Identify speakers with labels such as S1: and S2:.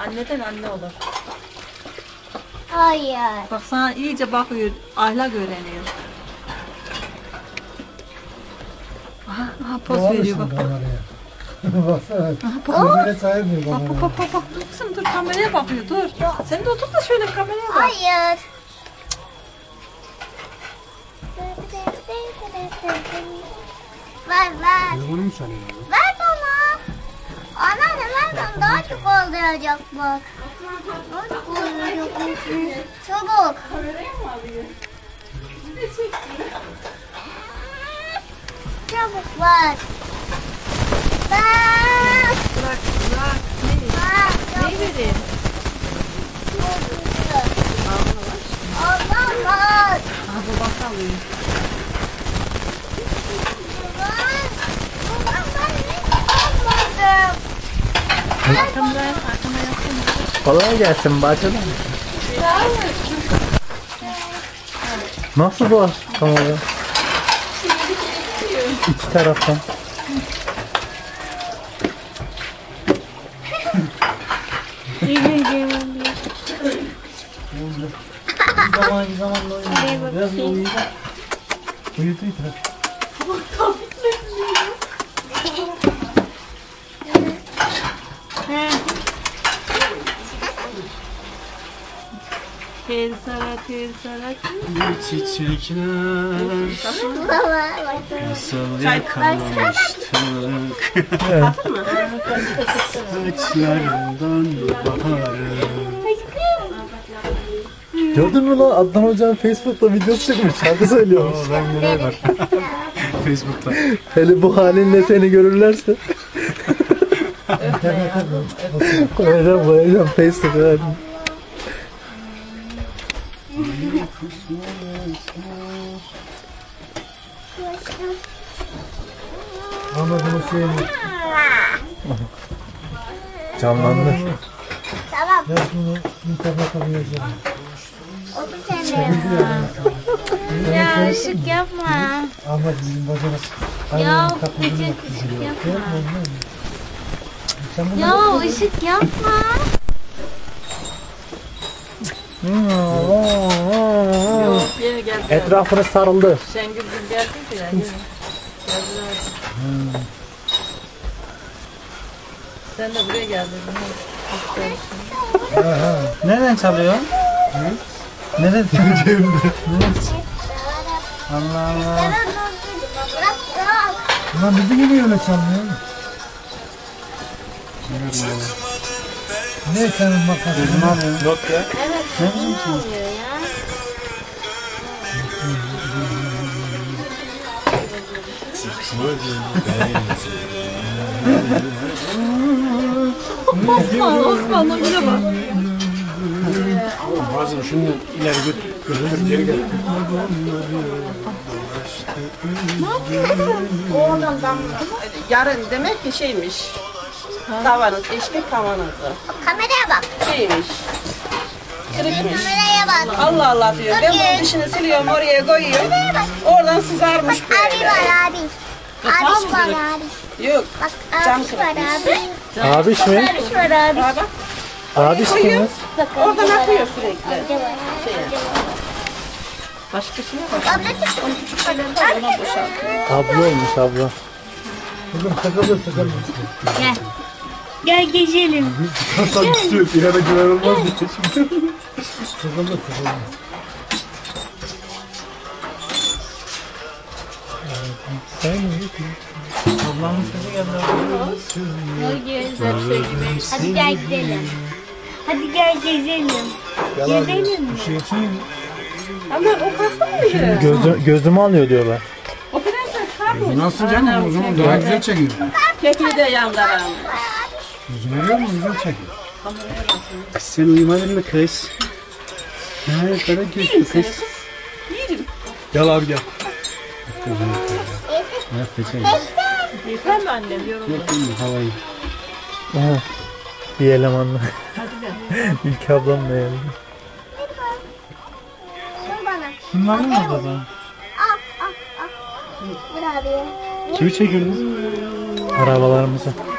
S1: Anneden anne olur.
S2: Hayır.
S1: Bak sana iyice bakıyor, ahlak öğreniyor. Aha poz veriyor bak.
S3: Baksana. Kameraya sayılmıyor
S1: Bak
S3: kamera.
S1: bak. Dur kızım dur kameraya bakıyor dur. Sen de otur da şöyle kameraya bak.
S2: Hayır. Ver.
S3: Bunu mu sanıyorsun?
S2: Ver bana. Anneanne ver bana. Daha çok olacak bak. Daha çok olacak. Çabuk. Çabuk ver. Ver.
S1: Bırak. Neyi vereyim?
S2: Olmaz.
S1: Aha babası alıyor. Arkamdan yapsın.
S4: Kolay gelsin bacım. Nasıl bu kamera? İki taraftan.
S3: Bir zamanla oynuyor. Biraz da uyuyacak. Uyutuyor.
S1: Tel sarak.
S5: Çiçekler nasıl yakalamıştık saçlarından baharı.
S4: Gördün mü lan Adnan Hoca'nın Facebook'ta videosu çıkmış. Şarkı söylüyormuş.
S5: Ben neler var Facebook'ta.
S4: Hele bu halinle seni görürlerse. Koyacağım Facebook'a.
S3: Anladım o şeyini.
S4: Canlandı.
S2: Tamam.
S3: Ben bunu internete koyacağım.
S2: Otur sen de. Ya ışık yapma.
S3: Ama bizim bacanak.
S2: Ya ışık yapma. Ya ışık yapma.
S1: Yok yeni geldi.
S4: Etrafını sarıldı.
S1: Şengül geldi ya. Yeni. Geldiler. Sen de buraya geldin.
S5: Nereden çalıyor? Nereden çalıyor? Allah Allah.
S2: Bırak.
S3: Lan bizi gibi öyle çalmıyor. Ne senin makasın?
S5: Not ya.
S2: Evet.
S5: Ne biçim şey?
S2: Oluyor ya.
S1: Osman'la bile bak.
S5: Bazen şunu ileri götür geri gel.
S6: Yarın demek ki şeymiş. Tavanız, eşlik tavanızı.
S2: Kameraya bak.
S6: Şeymiş. Kırıkmış.
S2: Kameraya bak.
S6: Allah Allah diyor. Ben bunun dışını siliyorum, oraya koyuyorum. Oradan sızarmış
S2: Abi
S6: böyle.
S2: var abi. Abi var abi.
S6: Yok.
S2: Bak
S6: Cam
S2: abi var
S6: kırıkmış.
S2: abi.
S4: Abiş mi?
S2: Abi var abi.
S6: Bak,
S4: Abiş kimiz?
S2: Bak,
S6: oradan
S2: abi var
S6: akıyor
S2: abi.
S6: sürekli.
S2: Amca var.
S6: Şey.
S2: Amca var.
S6: Başkasına bak.
S2: Abla çık.
S6: Onu küçük kalorda buna boşaltıyor.
S4: Abla olmuş abla.
S3: Kızım takılır.
S2: Gel. Gel gezelim.
S3: Hasan tutuyor. İleride güven olmaz diye şimdi. Takılır.
S5: Ablamın sesi geldi.
S2: Hadi gel gidelim. Hadi gel gezelim. Gezelim mi?
S6: Ama o kalktı mı?
S4: Gözümü alıyor diyorlar.
S6: O prenses kalkmış.
S5: Nasıl canım? O zaman daha güzel çekiyor.
S6: Kekli de yandıran.
S5: Yüzünü görüyor musun? Güzel çekiyor. Sen uyumadın mı kız? Ha, kara gözlü kız. Gel abi gel. Ne yapacağım?
S1: Yeter mi annem yoruldu?
S5: Yok değil mi? Havayı.
S4: Aha. Bir elemanla. İlk ablamla yani.
S2: Dur bana.
S5: Kim var mı orada?
S2: Al. Vur abi.
S5: Kimi çekiyorsunuz?
S4: Arabalarımızı.